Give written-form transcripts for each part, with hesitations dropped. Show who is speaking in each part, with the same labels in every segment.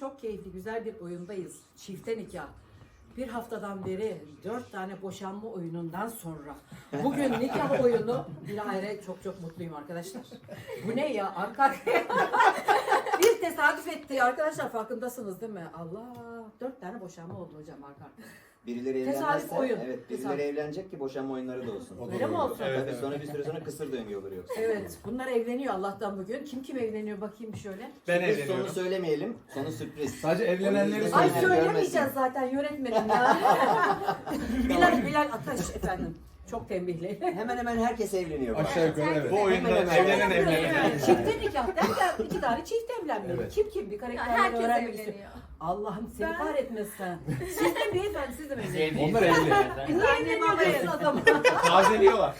Speaker 1: çok keyifli, güzel bir oyundayız. Çifte nikah. Bir haftadan beri 4 tane boşanma oyunundan sonra bugün nikah oyunu, bilahare çok mutluyum arkadaşlar. Bu ne ya? Arka arkaya. Bir tesadüf etti arkadaşlar, farkındasınız değil mi? Allah, 4 tane boşanma oldu hocam arka arkaya.
Speaker 2: Birileri
Speaker 1: Tesadüf
Speaker 2: evlenmezse,
Speaker 1: oyun.
Speaker 2: evet birileri
Speaker 1: Tesadüf.
Speaker 2: evlenecek ki boşanma oyunları da olsun.
Speaker 1: Öyle mi olsun?
Speaker 3: Evet,
Speaker 2: Tabii
Speaker 3: evet.
Speaker 2: sonra bir süre sonra kısır döngü olur yoksa.
Speaker 1: Evet, bunlar evleniyor Allah'tan bugün. Kim evleniyor bakayım şöyle.
Speaker 3: Ben
Speaker 2: Sürpriz,
Speaker 3: evleniyorum.
Speaker 2: sonu söylemeyelim. Sonu sürpriz.
Speaker 3: Sadece evlenenleri
Speaker 2: Ay,
Speaker 1: Ay
Speaker 2: Aynen,
Speaker 1: söylemeyeceğiz
Speaker 2: görmesin.
Speaker 1: zaten yönetmenim ya. Bilal Ataş efendim. Çok tembihli.
Speaker 2: Hemen hemen herkes evleniyor. bu
Speaker 3: Aşağı
Speaker 2: arada.
Speaker 3: yukarı evet.
Speaker 2: Bu oyunda
Speaker 3: evlenen.
Speaker 1: Çifte nikah derken 2 tane çift evlenmeli.
Speaker 3: Evet.
Speaker 1: Kim bir karakterleri
Speaker 4: Herkes
Speaker 1: öğrenmek istiyor.
Speaker 4: evleniyor.
Speaker 1: Allah'ım seni kahretmesin. Siz de beyefendi, siz de mi evleniyorsunuz?
Speaker 3: Onlar evli.
Speaker 1: Niye evleniyorsunuz adamı?
Speaker 3: Tazeliyorlar.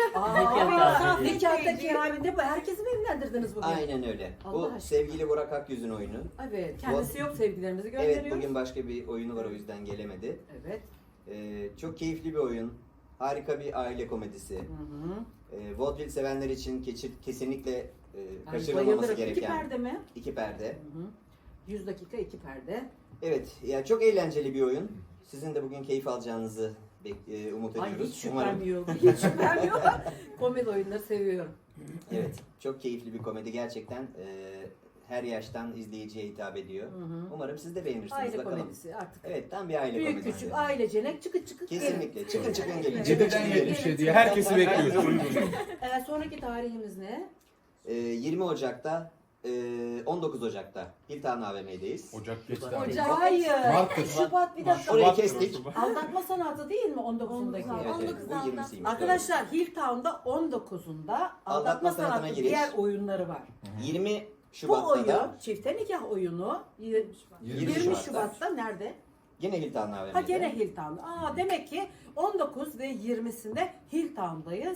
Speaker 1: Nikahta keraminde bu. Herkesi mi evlendirdiniz bugün?
Speaker 2: Aynen öyle.
Speaker 1: Allah
Speaker 2: Bu
Speaker 1: aşkına.
Speaker 2: sevgili Burak Akyüz'ün oyunu.
Speaker 1: Evet, kendisi yok, sevgilerimizi gönderiyoruz.
Speaker 2: Evet, bugün başka bir oyunu var, o yüzden gelemedi.
Speaker 1: Evet.
Speaker 2: Çok keyifli bir oyun. Harika bir aile komedisi. Vaudeville sevenler için kesinlikle kaçırılmaması
Speaker 1: Bayılırım.
Speaker 2: gereken
Speaker 1: 2 perde mi?
Speaker 2: 2 perde.
Speaker 1: 100 dakika 2 perde.
Speaker 2: Evet, ya çok eğlenceli bir oyun. Sizin de bugün keyif alacağınızı umut
Speaker 1: Ay
Speaker 2: ediyoruz.
Speaker 1: hiç şüphem yok. Hiç şüphem yok. Komedi oyunları seviyorum.
Speaker 2: Evet, çok keyifli bir komedi gerçekten. Her yaştan izleyiciye hitap ediyor. Umarım siz de beğenirsiniz.
Speaker 1: Aile
Speaker 2: bakalım.
Speaker 1: komedisi artık.
Speaker 2: Evet, tam bir aile
Speaker 1: Büyük
Speaker 2: komedisi.
Speaker 1: küçük ailecenek çıkık
Speaker 2: Kesinlikle. Çıkın çıkın gelin. Çıkın
Speaker 3: Cidden
Speaker 2: çıkın gelin.
Speaker 3: 77'ye herkesi bekliyoruz.
Speaker 1: Sonraki tarihimiz ne?
Speaker 2: 20 Ocak'ta, 19 Ocak'ta Hilton AVM'deyiz.
Speaker 3: Ocak geçti.
Speaker 4: Ocak.
Speaker 1: Hayır.
Speaker 3: Mart'tır.
Speaker 1: Şubat bir dakika.
Speaker 2: Orayı kestik.
Speaker 1: Aldatma sanatı değil mi 19'undaki?
Speaker 2: Evet, evet,
Speaker 4: 19
Speaker 2: bu 20'siymiş.
Speaker 1: Arkadaşlar Hilltown'da 19'unda aldatma
Speaker 2: Aldatma sanatına
Speaker 1: sanatı
Speaker 2: giriş.
Speaker 1: diğer oyunları var.
Speaker 2: 20
Speaker 1: Bu
Speaker 2: Şubat'ta
Speaker 1: oyun
Speaker 2: da
Speaker 1: çifte nikah oyunu 20
Speaker 2: Şubat'ta.
Speaker 1: Şubat'ta nerede?
Speaker 2: yine Hilton AVM'de.
Speaker 1: Ha gene Hilltown'da. Demek ki 19 ve 20'sinde Hilltown'dayız.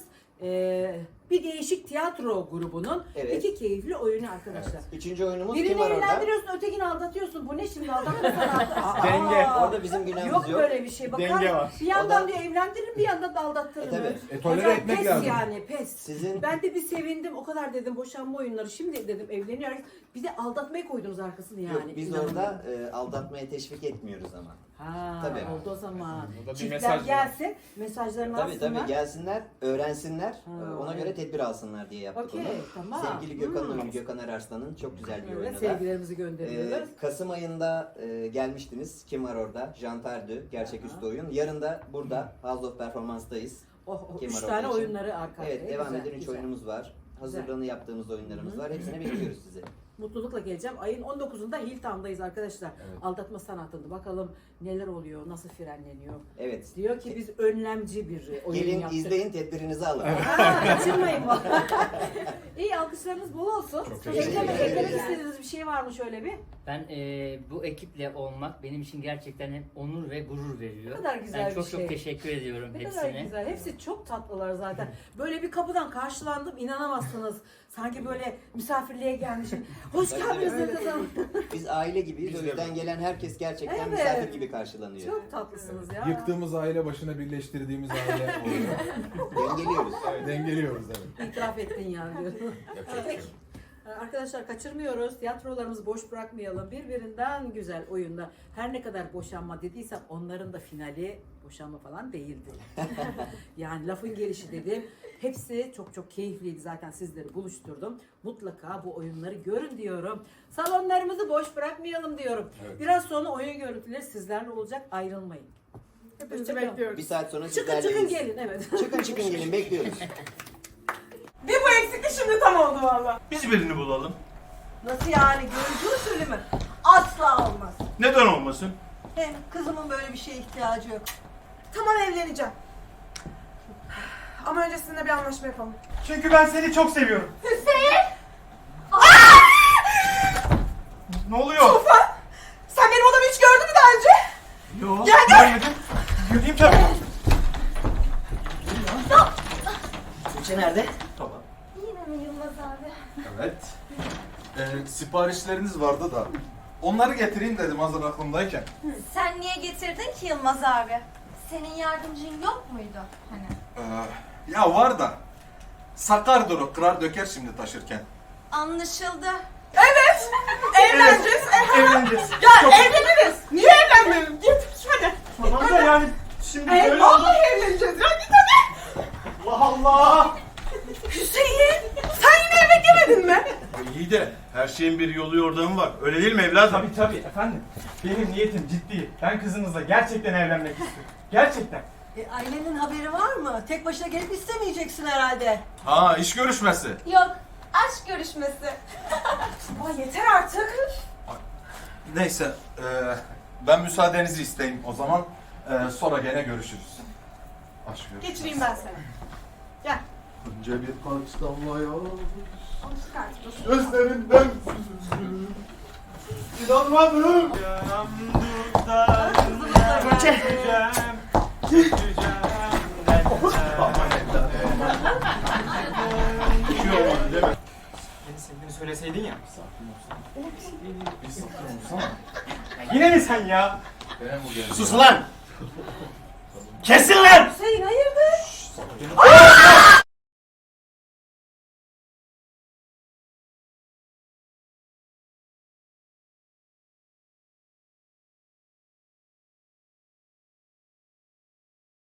Speaker 1: Bir değişik tiyatro grubunun
Speaker 2: Evet.
Speaker 1: 2 keyifli oyunu arkadaşlar.
Speaker 2: Üçüncü oyunumuz
Speaker 1: Birini
Speaker 2: kim var orada?
Speaker 1: evlendiriyorsun, ötekini aldatıyorsun. Bu ne şimdi aldatma sanatı?
Speaker 3: Denge.
Speaker 2: Orada bizim günahımız
Speaker 1: Yok
Speaker 2: yok.
Speaker 1: böyle bir şey. Bakar,
Speaker 3: Denge var.
Speaker 1: bir yandan
Speaker 2: O da-
Speaker 1: diyor evlendirin, bir yandan da aldattırın.
Speaker 2: tabii.
Speaker 3: Tolere
Speaker 1: Hocam,
Speaker 3: etmek
Speaker 1: pes
Speaker 3: lazım.
Speaker 1: yani pes.
Speaker 2: Sizin
Speaker 1: Ben de bir sevindim. O kadar dedim boşanma oyunları. Şimdi dedim evleniyoruz. Bir de aldatmayı koydunuz arkasını yani.
Speaker 2: yok, biz
Speaker 1: İnanamıyorum.
Speaker 2: orada aldatmaya teşvik etmiyoruz ama.
Speaker 1: Ha,
Speaker 2: Tabii.
Speaker 1: oldu o zaman.
Speaker 3: Burada bir
Speaker 1: Çiftler
Speaker 3: mesaj var.
Speaker 1: gelsin, mesajlarını
Speaker 2: Tabii
Speaker 1: alsınlar.
Speaker 2: tabii gelsinler, öğrensinler, ona
Speaker 1: evet.
Speaker 2: göre tedbir alsınlar diye yaptık
Speaker 1: Okey,
Speaker 2: onu.
Speaker 1: tamam.
Speaker 2: Sevgili Gökhan'ın oyunu, Gökhan Erarslan'ın çok güzel bir
Speaker 1: Evet,
Speaker 2: oyunu da.
Speaker 1: sevgilerimizi gönderiyoruz.
Speaker 2: Kasım ayında gelmiştiniz. Kim var orada? Jantardü, gerçeküstü oyun. Yarın da burada House of Performance'dayız.
Speaker 1: Üç
Speaker 2: var
Speaker 1: tane
Speaker 2: orada için?
Speaker 1: oyunları arka arkaya.
Speaker 2: Evet, devam
Speaker 1: Güzel,
Speaker 2: eden 3
Speaker 1: güzel.
Speaker 2: oyunumuz var. Hazırlığını yaptığımız oyunlarımız var. Hepsine bekliyoruz sizi.
Speaker 1: Mutlulukla geleceğim. Ayın 19'unda Hilltown'dayız arkadaşlar.
Speaker 3: Evet.
Speaker 1: Aldatma sanatında. Bakalım neler oluyor, nasıl frenleniyor.
Speaker 2: Evet.
Speaker 1: Diyor ki biz önlemci bir oyun
Speaker 2: Gelin
Speaker 1: yaptık.
Speaker 2: izleyin, tedbirinizi alın.
Speaker 1: Kaçırmayın. İyi, alkışlarınız bol olsun.
Speaker 3: Çok teşekkür
Speaker 1: Eklemek
Speaker 2: ederim.
Speaker 1: istediğiniz bir şey var mı şöyle bir?
Speaker 5: Ben bu ekiple olmak benim için gerçekten hem onur ve gurur veriyor.
Speaker 1: Ne kadar güzel
Speaker 5: ben
Speaker 1: bir
Speaker 5: çok
Speaker 1: şey.
Speaker 5: çok teşekkür ediyorum
Speaker 1: Ne kadar
Speaker 5: hepsine.
Speaker 1: güzel. Hepsi çok tatlılar zaten. Böyle bir kapıdan karşılandım, inanamazsınız. Sanki böyle misafirliğe gelmişim. Hoş geldiniz dedim.
Speaker 2: Biz aile gibiyiz.
Speaker 3: Biz
Speaker 2: O
Speaker 3: de
Speaker 2: yüzden gelen herkes gerçekten
Speaker 1: Evet.
Speaker 2: misafir gibi karşılanıyor.
Speaker 1: Çok tatlısınız ya.
Speaker 3: Yıktığımız aile başına birleştirdiğimiz aile oluyor.
Speaker 2: Dengeliyoruz.
Speaker 3: Dengeliyoruz evet.
Speaker 1: İtiraf ettin yani diyorum.
Speaker 3: Yapacak bir şey yok.
Speaker 1: Arkadaşlar kaçırmıyoruz. Tiyatrolarımızı boş bırakmayalım. Birbirinden güzel oyunda. Her ne kadar boşanma dediysem onların da finali boşanma falan değildi. Yani lafın gelişi dedim. Hepsi çok keyifliydi, zaten sizleri buluşturdum. Mutlaka bu oyunları görün diyorum. Salonlarımızı boş bırakmayalım diyorum.
Speaker 3: Evet.
Speaker 1: Biraz sonra oyun görüntüleri sizlerle olacak, ayrılmayın. Hepinizi bekliyoruz.
Speaker 2: Bir saat sonra
Speaker 1: Çıkın
Speaker 2: sizlerleyiz.
Speaker 1: gelin, evet.
Speaker 2: Çıkın gelin, bekliyoruz.
Speaker 6: Bir bu eksikti, şimdi tam oldu valla.
Speaker 7: Biz birini bulalım.
Speaker 6: Nasıl yani? Görüntü usulü mü? Asla olmaz.
Speaker 7: Neden olmasın?
Speaker 6: Hem kızımın böyle bir şeye ihtiyacı yok. Tamam, evleneceğim. Ama öncesinde bir anlaşma yapalım.
Speaker 7: Çünkü ben seni çok seviyorum.
Speaker 6: Hüseyin!
Speaker 7: Ne oluyor?
Speaker 6: Tufan! Sen benim odamı hiç gördün mü daha önce?
Speaker 7: Yok.
Speaker 6: Gel, gel.
Speaker 7: Görmedim. Göreyim tabii.
Speaker 2: Tuğçe nerede?
Speaker 7: Tamam.
Speaker 4: Yine mi Yılmaz abi?
Speaker 3: Evet. Siparişleriniz vardı da. Onları getireyim dedim hazır aklımdayken.
Speaker 4: Sen niye getirdin ki Yılmaz abi? Senin yardımcın yok muydu hani?
Speaker 3: Ya var da. Sakardır o, kırar döker şimdi taşırken.
Speaker 4: Anlaşıldı.
Speaker 6: Evet! Evleneceğiz.
Speaker 7: Evleneceğiz. Çok...
Speaker 6: Evleniriz. Niye evlenmeyelim? Git hadi.
Speaker 7: Tamam da yani şimdi
Speaker 6: Ay,
Speaker 7: böyle oldu.
Speaker 6: vallahi evleneceğiz ya git hadi.
Speaker 7: Allah Allah.
Speaker 6: Hüseyin sen yine yemek yemedin mi?
Speaker 8: İyi de her şeyin bir yolu yordamı var. Öyle değil mi evladım?
Speaker 7: Tabii efendim. Benim niyetim ciddi. Ben kızınızla gerçekten evlenmek istiyorum. Gerçekten.
Speaker 6: Ailenin haberi var mı? Tek başına gelip istemeyeceksin herhalde.
Speaker 8: Ha, iş görüşmesi.
Speaker 4: Yok, aşk görüşmesi.
Speaker 6: Ama yeter artık.
Speaker 8: Neyse, ben müsaadenizi isteyeyim o zaman. Sonra gene görüşürüz. Aşk görüşmesi.
Speaker 6: Geçireyim ben seni. Gel.
Speaker 8: Önce birkaç damla yağmur.
Speaker 6: Onu çıkart.
Speaker 8: Gözlerinden süzüldü. İnanmadım.
Speaker 7: Göçe.
Speaker 8: Bir şey olmadı değil mi?
Speaker 7: Beni sevdiğini söyleseydin ya.
Speaker 8: Bir sakin olsana.
Speaker 7: Yine mi sen ya?
Speaker 8: Gene bu geldi.
Speaker 7: Sus lan! Kesin lan!
Speaker 6: Hüseyin hayır.